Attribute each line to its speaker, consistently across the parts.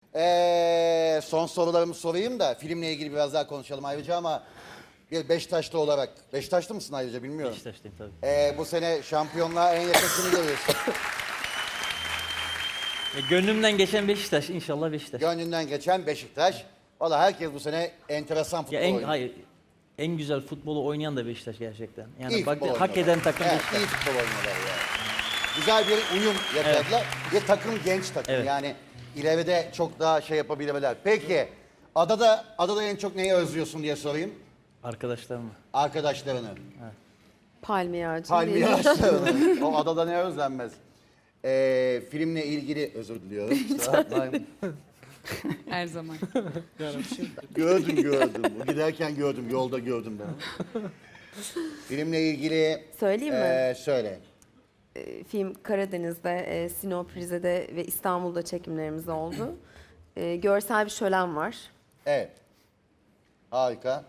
Speaker 1: Son sorularımı sorayım da filmle ilgili biraz daha konuşalım ayrıca ama bir Beşiktaşlı olarak. Beşiktaşlı mısın ayrıca bilmiyorum.
Speaker 2: Beşiktaşlıyım tabii.
Speaker 1: Bu sene şampiyonluğa en yakın kimi görüyorsun?
Speaker 2: Gönlümden geçen Beşiktaş, inşallah Beşiktaş.
Speaker 1: Gönlünden geçen Beşiktaş. Valla herkes bu sene enteresan futbol
Speaker 2: Ya
Speaker 1: oynuyor.
Speaker 2: hayır, en güzel futbolu oynayan da Beşiktaş gerçekten. Yani
Speaker 1: İyi
Speaker 2: bak,
Speaker 1: futbol
Speaker 2: hak
Speaker 1: oynuyorlar.
Speaker 2: eden takım
Speaker 1: Evet,
Speaker 2: Beşiktaş.
Speaker 1: iyi futbol oynuyorlar ya. Güzel bir uyum yakaladılar. Bir takım genç takım
Speaker 2: Evet.
Speaker 1: yani ileride çok daha şey yapabilirler. Peki adada en çok neyi özlüyorsun diye sorayım.
Speaker 2: Arkadaşlarım.
Speaker 1: Arkadaşlarını.
Speaker 3: Palmiye ağacı.
Speaker 1: Palmiye ağaçlarını. O adada ne özlenmez. Filmle ilgili özür diliyorum. Kusura bakmayın.
Speaker 4: Her zaman.
Speaker 1: gördüm. Bu giderken gördüm. Yolda gördüm ben. Filmle ilgili
Speaker 3: Söyleyeyim mi?
Speaker 1: söyle.
Speaker 3: Film Karadeniz'de, Sinop, Rize'de ve İstanbul'da çekimlerimiz oldu. Görsel bir şölen var.
Speaker 1: Evet. Harika.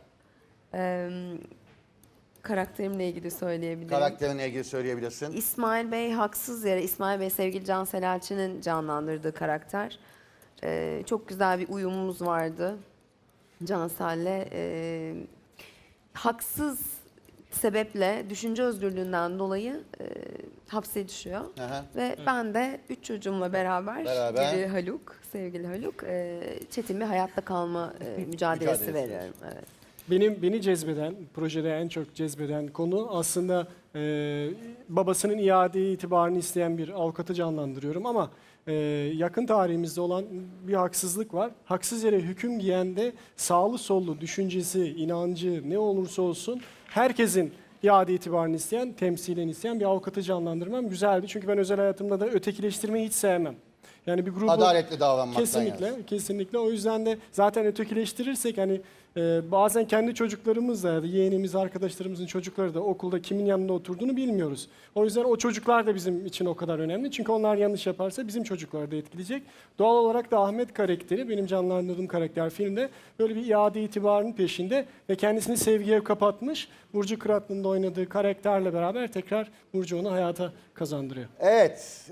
Speaker 3: Karakterimle ilgili söyleyebilirim.
Speaker 1: Karakterinle ilgili söyleyebilirsin.
Speaker 3: İsmail Bey haksız yere, İsmail Bey sevgili Can Selalçı'nın canlandırdığı karakter. Çok güzel bir uyumumuz vardı Can Asel'le. Haksız sebeple düşünce özgürlüğünden dolayı hapse düşüyor.
Speaker 1: Aha.
Speaker 3: Ve ben de 3 çocuğumla beraber,
Speaker 1: Beraber.
Speaker 3: biri Haluk, sevgili Haluk, çetin bir hayatta kalma mücadelesi
Speaker 1: Mücadelesi.
Speaker 3: veriyorum. Evet.
Speaker 5: Beni cezbeden, projede en çok cezbeden konu aslında babasının iade itibarını isteyen bir avukatı canlandırıyorum ama yakın tarihimizde olan bir haksızlık var. Haksız yere hüküm giyen de sağlı sollu düşüncesi, inancı ne olursa olsun herkesin iade itibarını isteyen, temsilen isteyen bir avukatı canlandırmam güzeldi. Çünkü ben özel hayatımda da ötekileştirmeyi hiç sevmem. Yani bir grubu
Speaker 1: Adaletli davranmaktan
Speaker 5: kesinlikle,
Speaker 1: yani.
Speaker 5: kesinlikle. O yüzden de zaten ötekileştirirsek hani bazen kendi çocuklarımız da ya da yeğenimiz, arkadaşlarımızın çocukları da okulda kimin yanında oturduğunu bilmiyoruz. O yüzden o çocuklar da bizim için o kadar önemli. Çünkü onlar yanlış yaparsa bizim çocukları da etkileyecek. Doğal olarak da Ahmet karakteri, benim canlandırdığım karakter filmde böyle bir iade itibarının peşinde ve kendisini sevgiye kapatmış. Burcu Kıratlı'nın da oynadığı karakterle beraber tekrar Burcu onu hayata kazandırıyor.
Speaker 1: Evet,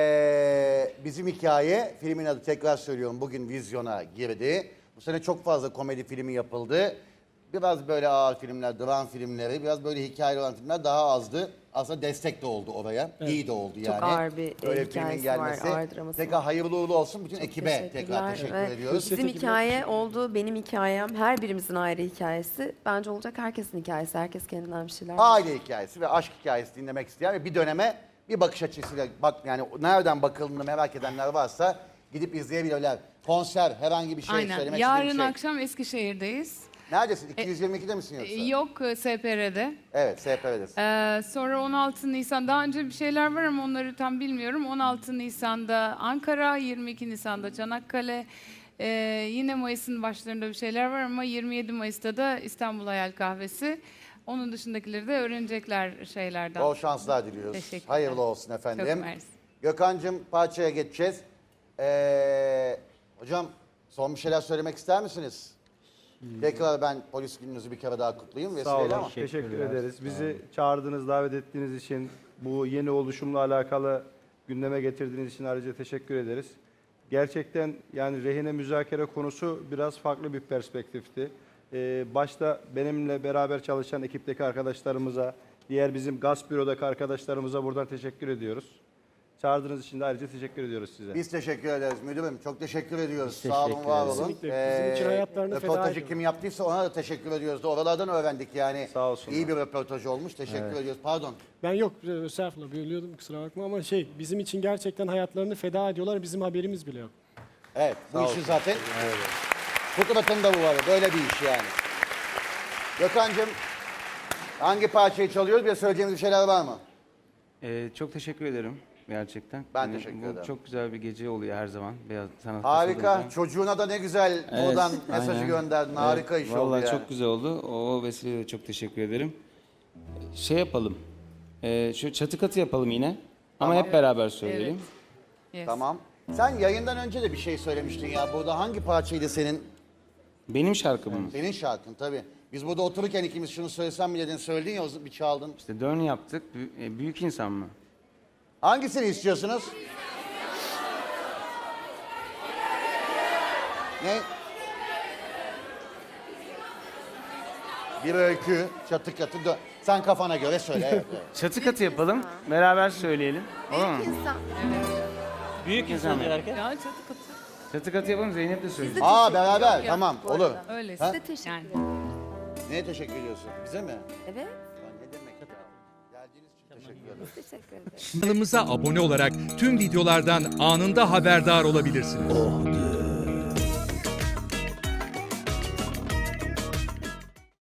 Speaker 1: bizim hikaye, filmin adı tekrar söylüyorum bugün vizyona girdi. Bu sene çok fazla komedi filmi yapıldı. Biraz böyle ağır filmler, dram filmleri, biraz böyle hikayeli olan filmler daha azdı. Aslında destek de oldu oraya, iyi de oldu yani.
Speaker 3: ağır bir
Speaker 1: Böyle
Speaker 3: hikayesi
Speaker 1: filmin
Speaker 3: var,
Speaker 1: gelmesi.
Speaker 3: ağır draması
Speaker 1: Tekrar
Speaker 3: var.
Speaker 1: hayırlı uğurlu olsun bütün ekibe tekrar
Speaker 3: Teşekkürler.
Speaker 1: teşekkür
Speaker 3: Ve
Speaker 1: ediyoruz.
Speaker 3: Bizim hikaye oldu, benim hikayem, her birimizin ayrı hikayesi. Bence olacak herkesin hikayesi, herkes kendinden bir şeyler.
Speaker 1: Aile hikayesi ve aşk hikayesi dinlemek isteyen ve bir döneme bir bakış açısıyla bak yani nereden bakıldığını merak edenler varsa gidip izleyebilirler. Konser, herhangi bir şey
Speaker 4: Aynen.
Speaker 1: söylemek
Speaker 4: Yarın
Speaker 1: istediğin bir şey.
Speaker 4: akşam Eskişehir'deyiz.
Speaker 1: Neredesin? 222'de misin yoksa?
Speaker 4: Yok SPR'de.
Speaker 1: Evet, SPR'desin.
Speaker 4: Sonra 16 Nisan, daha önce bir şeyler var ama onları tam bilmiyorum. 16 Nisan'da Ankara, 22 Nisan'da Çanakkale. Yine Mayıs'ın başlarında bir şeyler var ama 27 Mayıs'ta da İstanbul Hayal Kahvesi. Onun dışındakileri de öğrenecekler şeylerden.
Speaker 1: Bol şanslar diliyoruz.
Speaker 4: Teşekkürler.
Speaker 1: Hayırlı olsun efendim.
Speaker 4: Çok mersi.
Speaker 1: Gökhan'cığım parçaya geçeceğiz. Hocam son bir şeyler söylemek ister misiniz? Tekrar ben polis gününüzü bir kere daha kutlayayım.
Speaker 6: Sağ olun.
Speaker 1: Vesileyle ama.
Speaker 6: Teşekkür ederiz. Bizi çağırdığınız, davet ettiğiniz için, bu yeni oluşumla alakalı gündeme getirdiğiniz için ayrıca teşekkür ederiz. Gerçekten yani rehine müzakere konusu biraz farklı bir perspektifti. Başta benimle beraber çalışan ekipteki arkadaşlarımıza, diğer bizim gaz bürodaki arkadaşlarımıza buradan teşekkür ediyoruz. Çağırdığınız için de ayrıca teşekkür ediyoruz size.
Speaker 1: Biz teşekkür ederiz müdürüm. Çok teşekkür ediyoruz.
Speaker 2: Biz
Speaker 1: Sağ olun,
Speaker 2: teşekkür
Speaker 1: var
Speaker 2: ederiz.
Speaker 1: olun.
Speaker 5: Kesinlikle. Bizim için hayatlarını feda
Speaker 1: Röportajı
Speaker 5: ediyorlar.
Speaker 1: kim yaptıysa ona da teşekkür ediyoruz. Oralardan öğrendik yani.
Speaker 6: Sağ olsunlar.
Speaker 1: İyi bir röportaj olmuş. Teşekkür ediyoruz. Pardon.
Speaker 5: Ben yok, estağfurullah bölüyordum kusura bakma ama bizim için gerçekten hayatlarını feda ediyorlar, bizim haberimiz bile yok.
Speaker 1: Evet, bu
Speaker 6: Sağ
Speaker 1: işi
Speaker 6: olsun.
Speaker 1: zaten fıtratın da bu var. Böyle bir iş yani. Gökhan'cığım hangi parçayı çalıyoruz? Bir de söyleyeceğiniz bir şeyler var mı?
Speaker 7: Çok teşekkür ederim gerçekten.
Speaker 1: Ben
Speaker 7: Yani
Speaker 1: teşekkür
Speaker 7: bu
Speaker 1: ederim.
Speaker 7: Çok güzel bir gece oluyor her zaman. Beyaz sanat
Speaker 1: Harika.
Speaker 7: olunca.
Speaker 1: Çocuğuna da ne güzel buradan mesajı
Speaker 7: aynen.
Speaker 1: gönderdin. Harika iş oldu
Speaker 7: Vallahi
Speaker 1: yani.
Speaker 7: çok güzel oldu. O vesileyle çok teşekkür ederim. Şey yapalım. Şu çatı katı yapalım yine. Ama
Speaker 1: Tamam.
Speaker 7: hep beraber söyleyelim.
Speaker 4: Yes.
Speaker 1: Tamam. Sen yayından önce de bir şey söylemiştin ya. Burada hangi parçaydı senin?
Speaker 7: Benim şarkım mı?
Speaker 1: Senin şarkın tabii. Biz burada otururken ikimiz şunu söylesem mi dedin, söyledin ya bir çaldın.
Speaker 7: İşte dön yaptık. Büyük insan mı?
Speaker 1: Hangisini istiyorsunuz? Ne? Bir öykü, çatı katı. Sen kafana göre söyle. Evet, evet.
Speaker 7: Çatı katı yapalım. Beraber söyleyelim. Olur mu?
Speaker 3: Büyük insan.
Speaker 2: Büyük insan
Speaker 7: İnsan.
Speaker 2: derken.
Speaker 4: Ya çatı katı.
Speaker 7: Çatı katı yapalım, Zeynep de söyleyecek.
Speaker 1: Aa beraber, tamam
Speaker 3: bu
Speaker 1: olur.
Speaker 3: arada.
Speaker 4: Öyle.
Speaker 1: Ha?
Speaker 3: Size teşekkür
Speaker 4: Yani.
Speaker 3: ederim.
Speaker 1: Neye teşekkür ediyorsun? Bize mi?
Speaker 3: Evet,
Speaker 1: Ya ne demek ya? Geldiğiniz için teşekkür ederim.
Speaker 3: teşekkür ederim.
Speaker 8: Kanalımıza abone olarak tüm videolardan anında haberdar olabilirsiniz.